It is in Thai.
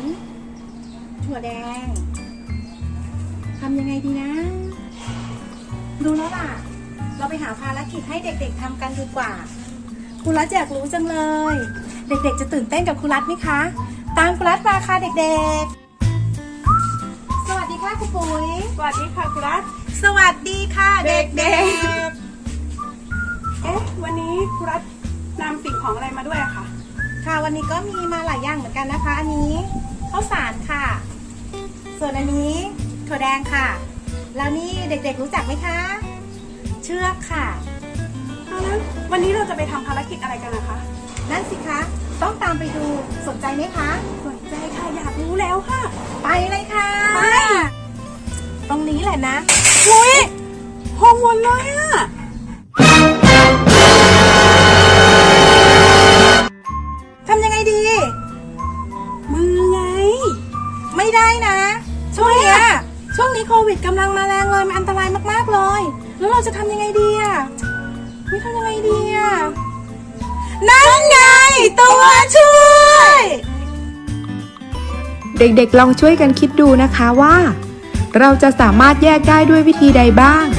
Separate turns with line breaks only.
ถั่วแดงทำยังไงดีนะดูแล้วล่ะเราไปหาภารกิจให้เด็กๆทำกันดีกว่าครูรัฐอยากรู้จังเลยเด็กๆจะตื่นเต้นกับครูรัฐไหมคะตามครูรัฐมาค่ะเด็กๆสวัสดีค่ะครูปุ๋ย
สวัสดีค่ะครูรัฐ
สวัสดีค่ะเด็ก
วันนี้ครูรัฐนำสิ่งของอะไรมาด้วยอะคะ
ๆค่ะวันนี้ก็มีมาหลายอย่างเหมือนกันนะคะอันนี้ข้าวสารค่ะส่วนอันนี้ถั่วแดงค่ะแล้วนี่เด็กๆรู้จักไหมคะเชือกค่ะ
แล้ววันนี้เราจะไปทำภารกิจอะไรกันนะคะ
นั่นสิคะต้องตามไปดูสนใจไหมคะ
สนใจค่ะอยากรู้แล้วค่ะ
ไปเลยค่ะ
ไป
ตรงนี้แหละนะ
อุ้ยห้องวนเลยอะ
ทำยังไงดี
มือไง
ไม่ได้นะช่วงนี้โควิดกำลังมาแรงเลยมันอันตรายมากๆเลยแล้วเราจะทำยังไงดีอ่ะไม่ทำยังไงดีอ่ะนั่นไงตัวช่วย
เด็กๆลองช่วยกันคิดดูนะคะว่า เราจะสามารถแยกได้ด้วยวิธีใดบ้าง